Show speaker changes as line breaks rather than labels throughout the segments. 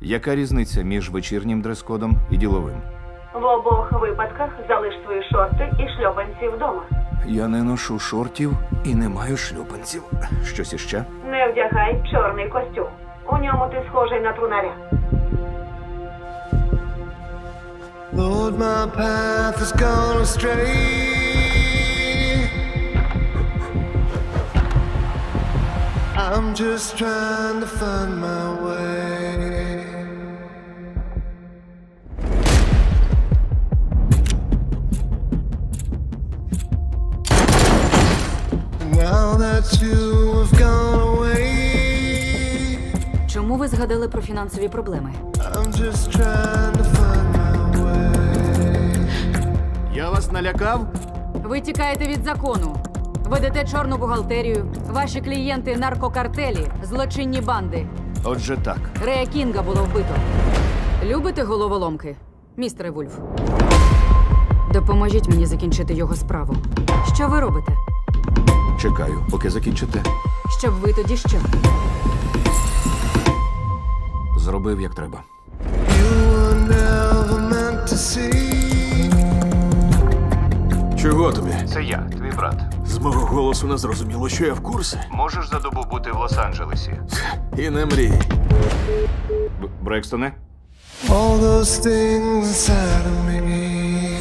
Яка різниця між вечірнім дрес-кодом і діловим?
В обох випадках залиш свої шорти і шльопанці вдома.
Я не ношу шортів і не маю шлюпанців. Щось іще?
Не вдягай чорний костюм. У ньому ти схожий на трунаря.
Lord, my path has gone astray. I'm just trying to find my way. Now that you have gone away,
Чому ви згадали про фінансові проблеми?
I'm just trying to find my way.
Я вас налякав?
Ви тікаєте від закону. Ведете чорну бухгалтерію. Ваші клієнти – наркокартелі, злочинні банди.
Отже так.
Рея Кінга було вбито. Любите головоломки, містере Вульф? Допоможіть мені закінчити його справу. Що ви робите?
Чекаю, поки закінчите.
Щоб ви тоді що?
Зробив, як треба.
You were never meant to see.
Чого тобі?
Це я, твій брат.
З мого голосу не зрозуміло, що я в курсі.
Можеш за добу бути в Лос-Анджелесі?
І не мрій.
Брекстоне?
All those things inside of me.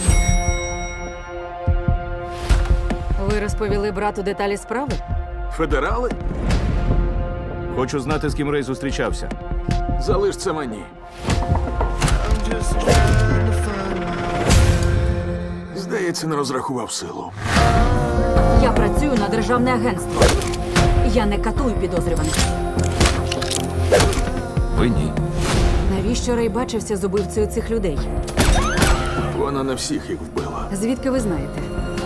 Ви розповіли брату деталі справи?
Федерали?
Хочу знати, з ким Рей зустрічався.
Залиш це мені.
I'm just trying to find my
Здається, не розрахував силу.
Я працюю на державне агентство. Я не катую підозрюваних.
Ви ні.
Навіщо Рей бачився з убивцею цих людей?
Вона не всіх їх вбила.
Звідки ви знаєте?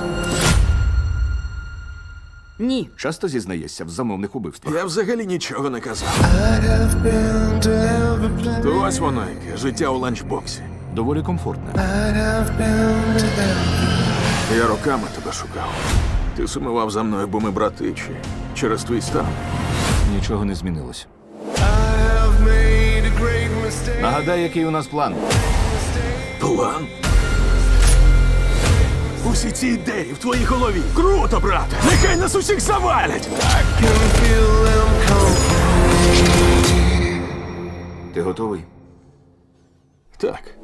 Ні.
Часто зізнаєшся в замовних убивствах?
Я взагалі нічого не казав.
I have been to every place.
То ось воно яке, життя у ланчбоксі.
Доволі комфортне.
I have been to every.
Я роками тебе шукав. Ти сумував за мною, бо ми брати, чи через твій стан.
Нічого не змінилось.
I have made a great mistake.
Нагадай, який у нас план.
План? Усі ці ідеї в твоїй голові. Круто, брате! Нехай нас усіх завалять!
Can feel them come.
Ти готовий?
Так.